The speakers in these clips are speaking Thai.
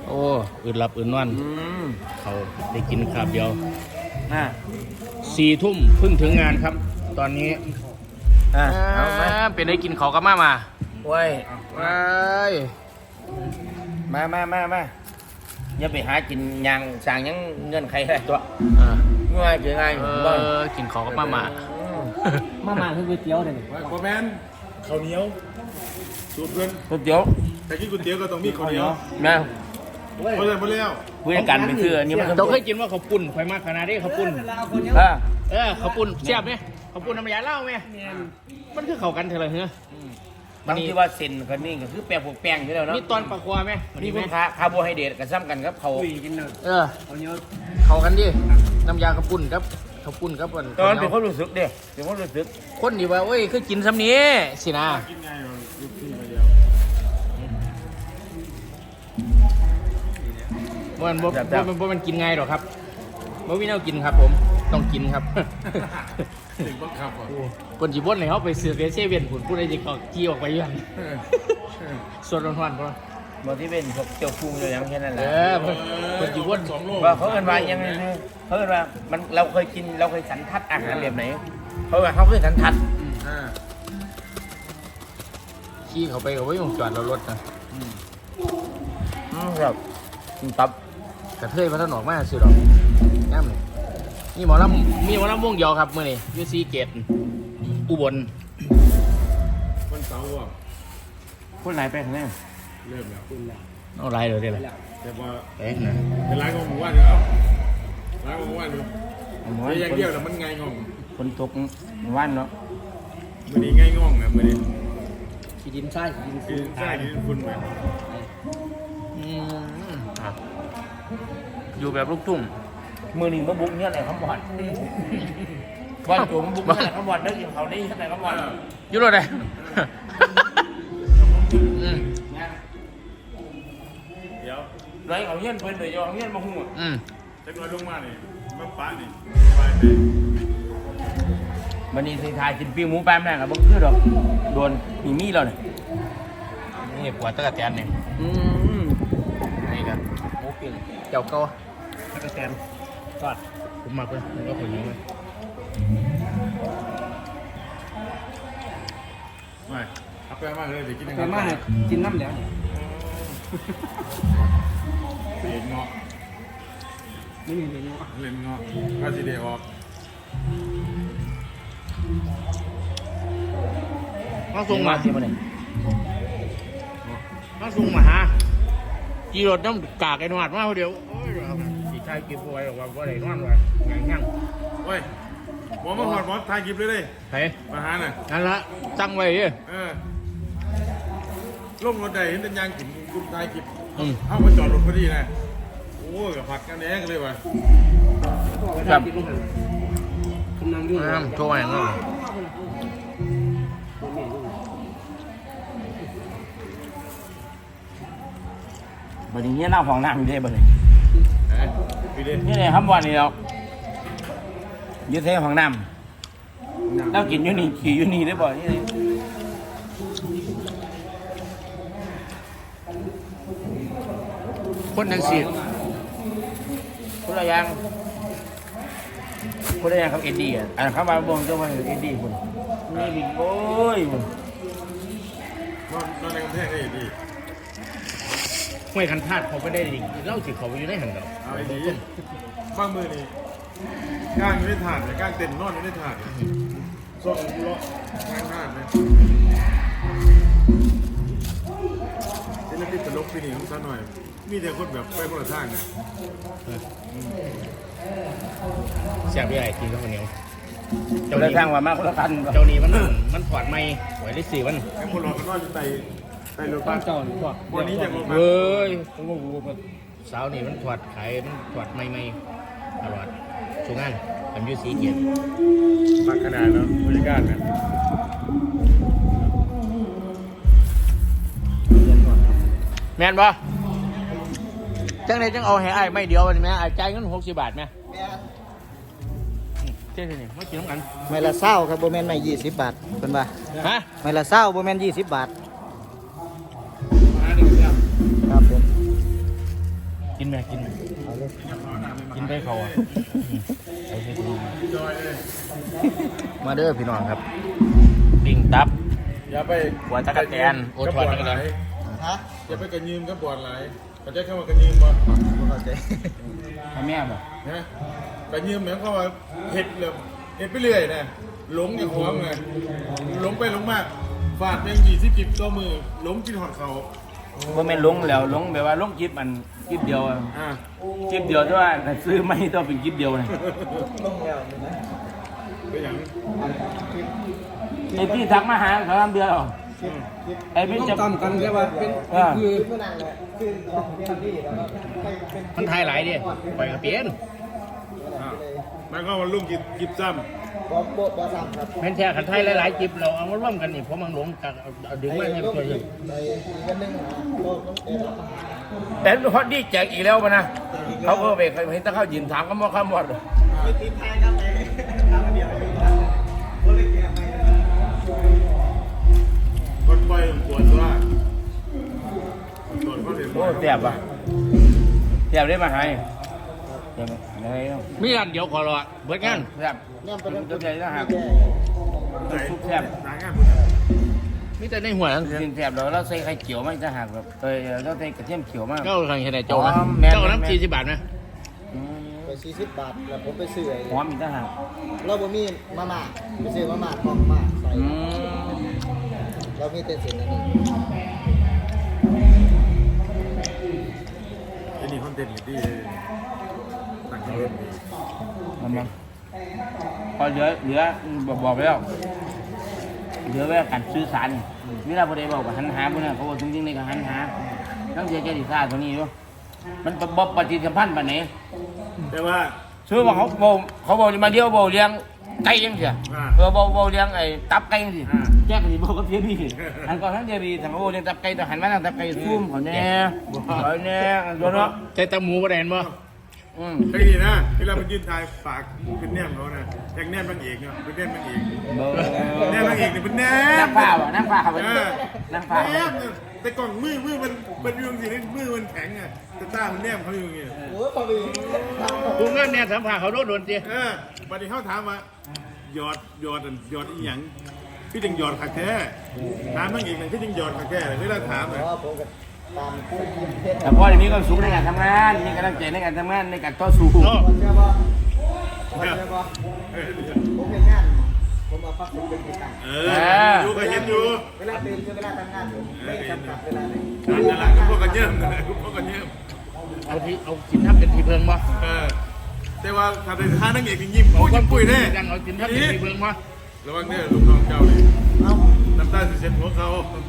โอ้อื่นหลับอื่นนอนเขาได้กินคาบเดียว4 ทุ่มเพิ่งถึงงานครับ ตอนนี้เป็นได้กินเขาก็มาโว้ยมา อย่าไปหากินยางสั่งยังเงินใครได้ตัวง่ายเกินง่ายกินเขาก็มาคือก๋วยเตี๋ยวเลยโคแมนข้าวเหนียวสูตรเพื่อนก๋วยเตี๋ยวแต่กินก๋วยเตี๋ยวก็ต้องมีข้าวเหนียวนะเพราะฉะนั้นแล้วเพื่อนกันไปคืออันนี้มันเราเคยกินว่าเขาปุ่นไฟมากขนาดนี้เขาปุ่นเขาปุ่นเสียบไหมเขาปุ่นน้ำยาเล่าไหมมันคือเขากันเถอะเลยเฮ้ยบางทีว่าเส้นกันนี่ก็คือแป้งพวกแป้งอยู่แล้วเนาะนี่ตอนปลาควาไหมนี่คุณคาร์โบไฮเดรตกับซ้ำกันครับเขาเขากันดิน้ำยาเขาปุ่นครับเขาปุ่นครับตอนเป็นคนรู้สึกเด้เป็นคนรู้สึกคนดีว่าเอ้ยคือกินซ้ำนี้สินะกินไงยุบที่มาเดียวมันกินไงหรอครับบ่มีแนวกินครับผมต้องกินครับถึงบังคับคนจีบวนเลยเขาไปเสือกเซเว่นผุนพูดอะไรจีเขาจี้ออกไปยังส่วนร้อนๆเพราะบางที่เป็นพวกเจียวฟุ้งอยู่อย่างแค่นั้นแหละคนจีบวนว่าเขาเอิ้นว่ายังไงเขาเอิ้นว่ามันเราเคยกินเราเคยสันทัดอาหารแบบไหนเพราะว่าเขาเคยสันทัดขี้เขาไปเขาไม่ยอมจอดเรารถนะครับตับกระเทยพัฒนออกมาสิหรอกน้ำนี่หมอลำวงเดียวครับเมื่อนี้ยูซีเกตอุบลวันเสาร์อ่ะคนไหนไปข้างในเริ่มแล้วเอาไรเลยได้เลยแต่ว่านะเป็นร้านของหมู่บ้านอยู่แล้วร้านของหมู่บ้านอยู่อย่างเดียวแต่มันไงงงคนตกว่านเนาะมันนี่ไงงงนะมันนี่ขี้ดินใช่ขี้ดินคุณไหมอยู่แบบลูกทุ่งมือหนึ่งมาบุกเนี่ยไหนคำบอดบ้านผมบุกเนี่ยไหนคำบอดได้ยินเขาได้ยินไหนคำบอดอยู่รถเลยเดี๋ยวไรเขาเงี้ยเพิ่นเลยเอาเงี้ยมาหุ้มจะลอยลงมาเนี่ยมาป้านี่ไปวันนี้สิทายกินปิ้งหมูแป๊มแน่กับบังคือดอกโดนมีเราเนี่ยนี่ปวดตะกะแตนเนี่ยนี่กันหมูปิ้งเจ้าเก่าตะกะแตนทอดผมมากเลยผมก็คนนี้เลยไม่เอาไปมากเลยเดี๋ยวกินไปมากกินน้ำแล้วเล่นเงาะไม่มีเล่นเงาะก็จะได้ออกมาส่งมาที่มันเลยมาส่งมาฮะกีรถน้ำกากไอ้หนวดมาเดียวสีชายกินไว้ว่าว่าไหนนอนไว้ยังยังโอ้ยหมอมาหอดหมอทายกิบเลยเฮ้มาหาน่ะนั่นละจังไว้ลงรถใดเห็นแต่ยางกินกุ๊บทายกิบเอามาจอดรถพอดีนะโอ้กับผักกันแดงเลยว่ะครับโชว์อย่างนั้นบัดนี้เน่าของน้ำอยู่ได้บัดนี้นี่เลยครับวันนี้เรายืดเส้นของน้ำเรากินยูนี่ขี่ยูนี่ได้บ่อยนี่คนยังสีคนละอย่างครับเอ็ดดี้อ่ะเขามาบ่งเจ้าว่าเอ็ดดี้คุณนี่บิ๊กโอ้ยคุณนอนในกำแพงได้ดีห้วยคันธาตุเขาไม่ได้ดิเล่าสิเขาไปอยู่ในหันเราเอาดีบ้างมือนี่ก้างอยู่ในถาดแต่ก้างเต็มนอนอยู่ในถาดส่งล้อข้างถาดเลยนี่เราติดตลกปีนี้ของซะหน่อยมีแต่คนแบบไปคนละทางเนี่ยเสียบใหญ่ทีเขาคนเดียวเจ้าได้ทางว่ามากคนละคันเจ้านี้มันถอดไม่ไหวได้4 วันไอ้คนเราก็นอนอยู่ในรถบ้านเจ้าหรือเปล่าวันนี้ยังเฮ้ยสาวนี่มันถอดขายมันถอดไม่ตลอดช่วงงานทำยูสีเกียรติมากขนาดแล้วบริการเนี่ยแมนบ่จังเลยจังเอาให้ไอ้ไม่เดียวนี่แม่ไอ้ใจเงิน60 บาทไหมเท่ๆนี่มากินน้ำกันไม่ละเศร้าครับโบแมนไม่20 บาทเป็นป่ะฮะไม่ละเศร้าโบแมน20 บาทครับผมนะกินกินไปเขาอ่ะเอาไปกินมาเด้อพี่น้องครับปิ้งตับอย่าไปหัวตะกะแตนโอทอดตะกะแตนฮะอย่าไปกระยืมกับบอดไหลเขาจะเข้ามากระยืมบ่บ่เข้าใจทำแม่บ่นะกระยืมเหมือนเขาว่าเห็ดเลยเห็ดไปเรื่อยนะหลงอย่างหัวไงหลงไปหลงมากฟาดเป็น20 ตัวมือหลงกินหอดเขาบ่แม่นลงแล้วลงแบบว่าลงคลิปมันคลิปเดียวอะอ่าคลิปเดียวแต่ว่าซื้อไม่ต้องเป็นคลิปเดียวนะลงแล้วนี่นะเป็นอย่างไอ้ที่ทักมาหาเขาทำเดือนหรอไอ้พี่จะตามกันใช่ป่ะเป็นคือผู้นั่งแหละคือของเรียนที่แล้วก็เป็นมันไทยหลายดิไปกับเปลี่ยนมันก็มาลุ่มกิบซ้บ่ซ้ำครับแม่นแท้ขันไทยหลายๆจิบเราเอามาร่วมกันนี่ผมมันหลงกันเอาดึงมาให้ตัวเองในอีกอันหนึงโลกต้องเอ็นแต่ฮอตดี้แจกอีกแล้วนะเขาก็ไปเห็นถ้าเขายืนถามก็มอข้ามหมดไม่ติดไทยครับไอ้ทำเดียวอยู่นะบ่ได้แก้ไปนะำคนปล่อยปวดว่าปวดเขาเสียโอ้แสบว่ะแสบได้มาหายแสบอะไรเนาะมีร้านเดียวขอรอเบิดงานแสบย่ำไปตัวใหญ่นะฮะซุปแซ่บหางานมีแต่ในหัวทั้งกินแสบแล้วใส่ไข่เขียวไม่จะหักแบบแล้วใส่กระเทียมเขียวมากเจ้าทางเห็นไหนเจ้านะอ๋อแม่นเจ้าน้ำ40 บาทนะไป40 บาทแล้วผมไปซื้อไอ้หอมอีกจะหักเราบ่มีมาม่าไปซื้อมาม่าของมาใส่เรามีแต่เส้นอันนี้ไอ้นี่คอนเทนต์ดีต่างกันเลยมันพอเหลือบอกไปแล้วเหลือไว้การซื้อสารเวลาพอได้บอกว่าหันหาพวกนั้นเขาบอกจริงๆในการหันหาต้องเสียใจดีซ่าตัวนี้ด้วยมันบบปฏิสัมพันธ์แบบไหนแต่ว่าซื้อมาเขาบอกมาเดียวบอกเลี้ยงไก่ยังเสียบอกเลี้ยงไอ้ตับไก่ยังสิแจ้งกันบอกกับเทียบีอันก่อนทั้งเทียบีทางเขาบอกเลี้ยงตับไก่แต่หันมาทางตับไก่ซุ่มเขาแน่เขาแน่โดนเนาะใจตะหมูประเด็นบ่ไอ้นี่นะเวลามันยืนทายปากเป็นแนมเขานะอย่างแนมบางเอกเนาะเป็นแนมบางเอกแนมบางเอกนี่เป็นแนมนั่งผ้านั่งผ้าเขาไปนั่งผ้าแนมแต่ก่อนมือมันอยู่สิมือมันแข็งอ่ะแต่ตามันแนมเขาอยู่อย่างเงี้ยโอ้ยพอดีกูเงินเนี่ยสัมผัสเขาโดนจีบัดนี้เขาถามว่าหยอดอีหยังพี่จึงหยอดขักแท้ถามบางเอกหนึ่งพี่จึงหยอดขักแท้เวลาถามเพอ่ะราะว่าผมก็ตามผู้ทีมเพชรแต่พ่อมีความสุขในการทำงานมีกำลังใจในการทำงานในการต่อสู้คนเชื่อป่ะคนเชื่อป่ะผมเป็นงานผมเอาพักผมเป็นกิจกรรมอยู่ก็เห็นอยู่เวลาตื่นคือเวลาทำงานผมไม่จำกัดเวลาเลยนั่นแหละก็พวกกันเยิ่มนั่นแหละพวกกันเยิ่มเอากินทับเป็นทีเพิงบ่แต่ว่าถ้าเป็นท่านังเอกยิ้มพูดยิ้มปุ้ยแน่ยังเอากินทับเป็นทีเพิงบ่ระวังเนี่ยลูกน้องเจ้าเลยเอ้าน้ำตาสิเซ็นหัวเขา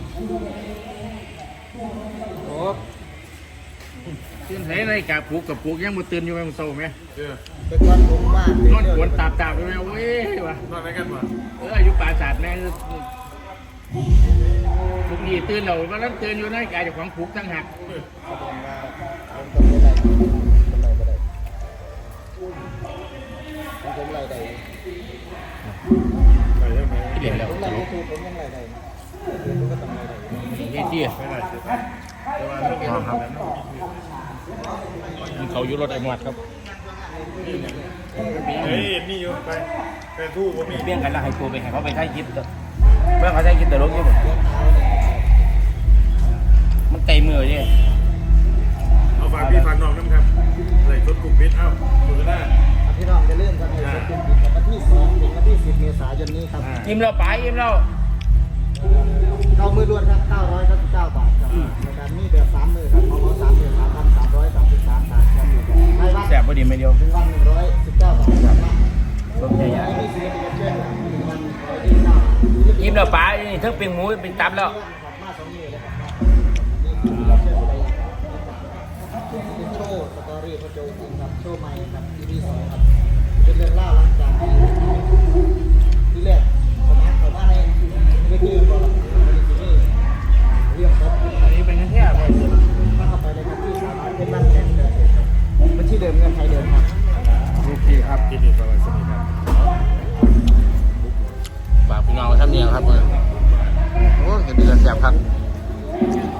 โอ้ตื่นใส่ในกาปลูกกับปลูกยังบ่ตื่นอยู่แม่งโซ่แม่เป็นวันผมว่านอนกวนตาบๆไปแม่เว้ยว่ะนอนไหนกันวะอายุปราศาสตร์แม่ทุกทีตื่นเราว่านั้นตื่นอยู่ในกายเจ้าของปลูกทั้งหักผมไรใดไปยังไงเดี๋ยวแล้วผมไรยูทูบผมยังไรใดผมก็ต้องไรใดนี่ที่ไม่ได้เสร็จแต่ว่าไม่เป็นไรเขาอยู่รถไอ้หมวดครับเฮ้ยนี่อยู่ไปแต่ทู่ผมมีเบี้ยงกันแล้วให้ตัวไปให้เขาไปใช้คิดเมื่อเขาใช้คิดแต่ลงยี่หมดมันไกลมือเนี่ยเอาฝากพี่ฝากน้องน้ำครับใส่ชุดกลุ่มเพชรเอ้าสุดหน้าพี่น้องจะเริ่มกันในวันที่2ถึงวันที่10 เมษายนนี้ครับยิ้มเราไปยิ้มเราเข้ามือล้วนครับ999 บาทครับในการมีแบบ3มือครับของเรา3มือ3,333 บาทครับในวันแสบพอดีไม่เดียวถึงวัน119 บาทครับสมใจใหญ่ไม่มีศิลปินเชื่อถึงวัน129 ยิ้มเราไปนี่ทั้งเป็นหมูเป็นตับแล้วมา2มือเลยครับนี่คือเราเชื่ออะไรเป็นโชว์สตอรี่พระโจจริงครับโชว์ใหม่ครับ EP 2ครับเป็นเรื่องเล่าหลังจากที่แรกผมแอดเข้ามาในเวทีบอลเรื่องครับอันนี้เป็นแค่ไปมาเข้าไปในพื้นที่สามารถเป็นบ้านแข่งเดิมครับบัญชีเดิมเงินไทยเดิมครับโอเคครับกินดีสวัสดีครับฝากพี่น้องไว้ทำเนียงครับโอ้ยเห็นดีกันแสบครับ